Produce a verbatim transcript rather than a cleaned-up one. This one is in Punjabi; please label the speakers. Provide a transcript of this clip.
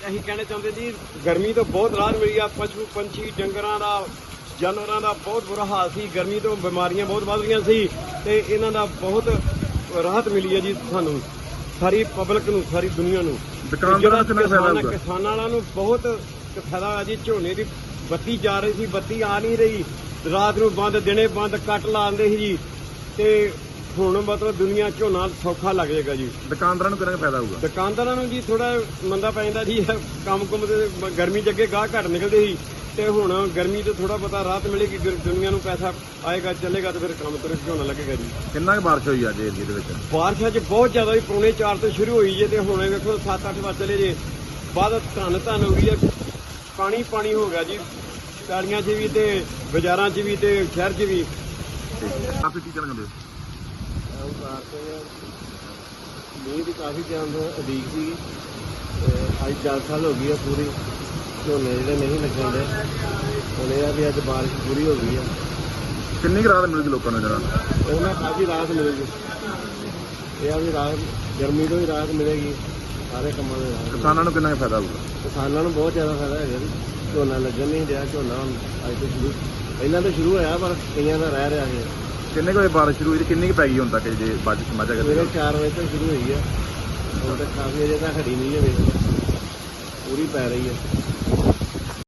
Speaker 1: ਅਸੀਂ ਕਹਿਣਾ ਚਾਹੁੰਦੇ ਜੀ ਗਰਮੀ ਤੋਂ ਬਹੁਤ ਰਾਹਤ ਮਿਲੀ ਆ। ਪਸ਼ੂ ਪੰਛੀ ਡੰਗਰਾਂ ਦਾ ਜਾਨਵਰਾਂ ਦਾ ਬਹੁਤ ਬੁਰਾ ਹਾਲ ਸੀ। ਗਰਮੀ ਤੋਂ ਬਿਮਾਰੀਆਂ ਬਹੁਤ ਵੱਧ ਰਹੀਆਂ ਸੀ ਤੇ ਇਹਨਾਂ ਦਾ ਬਹੁਤ ਰਾਹਤ ਮਿਲੀ ਹੈ ਜੀ ਸਾਨੂੰ, ਸਾਰੀ ਪਬਲਿਕ ਨੂੰ, ਸਾਰੀ ਦੁਨੀਆ ਨੂੰ।
Speaker 2: ਦੁਕਾਨਦਾਰਾਂ ਨੂੰ ਕਿੰਨਾ ਫਾਇਦਾ ਹੋਊਗਾ?
Speaker 1: ਕਿਸਾਨਾਂ ਵਾਲਿਆਂ ਨੂੰ ਬਹੁਤ ਫਾਇਦਾ ਆ ਜੀ। ਝੋਨੇ ਦੀ ਬੱਤੀ ਜਾ ਰਹੀ ਸੀ, ਬੱਤੀ ਆ ਨਹੀਂ ਰਹੀ, ਰਾਤ ਨੂੰ ਬੰਦ ਦਿਨੇ ਬੰਦ ਕੱਟ ਲਾਉਂਦੇ ਸੀ ਜੀ, ਤੇ ਹੁਣ ਮਤਲਬ ਦੁਨੀਆ ਝੋਨਾ ਸੌਖਾ ਲੱਗ ਜਾਏਗਾ ਜੀ।
Speaker 2: ਦੁਕਾਨਦਾਰਾਂ ਨੂੰ ਕਿੰਨਾ ਫਾਇਦਾ ਹੋਊਗਾ?
Speaker 1: ਦੁਕਾਨਦਾਰਾਂ ਨੂੰ ਜੀ ਥੋੜਾ ਮੰਦਾ ਪੈ ਜਾਂਦਾ ਜੀ, ਕੰਮ ਕੁੰਮ ਤੇ ਗਰਮੀ ਚ ਅੱਗੇ ਗਾਹ ਘੱਟ ਨਿਕਲਦੇ ਸੀ ਤੇ ਹੁਣ ਗਰਮੀ ਤੋਂ ਥੋੜਾ ਪਤਾ ਰਾਹਤ ਮਿਲੇਗੀ, ਦੁਨੀਆ ਨੂੰ ਪੈਸਾ ਆਏਗਾ ਚੱਲੇਗਾ ਤੇ ਫਿਰ ਕੰਮ ਤੁਰੇ ਝੋਨਾ ਲੱਗੇਗਾ ਜੀ।
Speaker 2: ਕਿੰਨਾ ਕੁ ਬਾਰਿਸ਼ ਹੋਈ ਅੱਜ ਏਰੀਏ ਦੇ ਵਿੱਚ?
Speaker 1: ਬਾਰਿਸ਼ ਅੱਜ ਬਹੁਤ ਜ਼ਿਆਦਾ ਜੀ, ਪੌਣੇ ਚਾਰ ਤੋਂ ਸ਼ੁਰੂ ਹੋਈ ਜੇ ਤੇ ਹੁਣ ਵੇਖੋ ਸੱਤ ਅੱਠ ਵਜੇ ਚਲੇ ਜੇ ਬਾਅਦ ਧੰਨ ਧੰਨ ਹੋ ਗਈ ਹੈ, ਪਾਣੀ ਪਾਣੀ ਹੋ ਗਿਆ ਜੀ ਪੈਲੀਆਂ 'ਚ ਵੀ ਤੇ ਬਾਜ਼ਾਰਾਂ 'ਚ ਵੀ ਤੇ ਸ਼ਹਿਰ 'ਚ ਵੀ।
Speaker 2: ਆਪੇ ਕੀ ਕਹਿਣਾ ਚਾਹੁੰਦੇ ਹੋ?
Speaker 1: ਮੀਂਹ ਦੀ ਕਾਫੀ ਟਾਈਮ ਤੋਂ ਉਡੀਕ ਸੀ, ਅੱਜ ਚਾਰ ਸਾਲ ਹੋ ਗਈ ਆ ਪੂਰੀ, ਝੋਨੇ ਜਿਹੜੇ ਨਹੀਂ ਲੱਗਣ ਦੇ। ਹੁਣ ਇਹ ਆ ਵੀ ਅੱਜ ਬਾਰਿਸ਼ ਪੂਰੀ ਹੋ ਗਈ ਆ।
Speaker 2: ਕਿੰਨੀ ਕੁ ਰਾਹਤ ਮਿਲੂਗੀ ਲੋਕਾਂ ਨੂੰ ਜਰਾ?
Speaker 1: ਉਹਨਾਂ ਕਾਫੀ ਰਾਹਤ ਮਿਲੇਗੀ। ਇਹ ਆ ਵੀ ਰਾਹਤ ਗਰਮੀ ਤੋਂ ਵੀ ਰਾਹਤ ਮਿਲੇਗੀ, ਸਾਰੇ ਕੰਮਾਂ ਦੇ ਰਾਹਤ।
Speaker 2: ਕਿਸਾਨਾਂ ਨੂੰ ਕਿੰਨਾ ਕੁ ਫਾਇਦਾ ਹੋਊਗਾ?
Speaker 1: ਕਿਸਾਨਾਂ ਨੂੰ ਬਹੁਤ ਜ਼ਿਆਦਾ ਫਾਇਦਾ ਹੈਗਾ ਜੀ। ਝੋਨਾ ਲੱਗਣ ਨਹੀਂ ਰਿਹਾ, ਝੋਨਾ ਹੁਣ ਅੱਜ ਤੋਂ ਸ਼ੁਰੂ ਪਹਿਲਾਂ ਤਾਂ ਸ਼ੁਰੂ ਹੋਇਆ ਪਰ ਕਈਆਂ ਦਾ ਰਹਿ ਰਿਹਾ ਹੈ।
Speaker 2: ਕਿੰਨੇ ਕੁ ਵਜੇ ਬਾਰਿਸ਼ ਸ਼ੁਰੂ ਹੋਈ ਤੇ ਕਿੰਨੀ ਕੁ ਪੈ ਗਈ ਹੁਣ ਤੱਕ ਜੇ ਬਾਰਿਸ਼ ਸਮਾਚਾ ਕਰਦੇ?
Speaker 1: ਸਵੇਰੇ ਚਾਰ ਵਜੇ ਤੋਂ ਸ਼ੁਰੂ ਹੋਈ ਹੈ, ਹੁਣ ਤੱਕ ਕਾਫੀ ਅਜੇ ਤਾਂ ਹੜੀ ਨਹੀਂ ਹੈ, ਵੇਖ ਲਓ ਪੂਰੀ ਪੈ ਰਹੀ ਹੈ।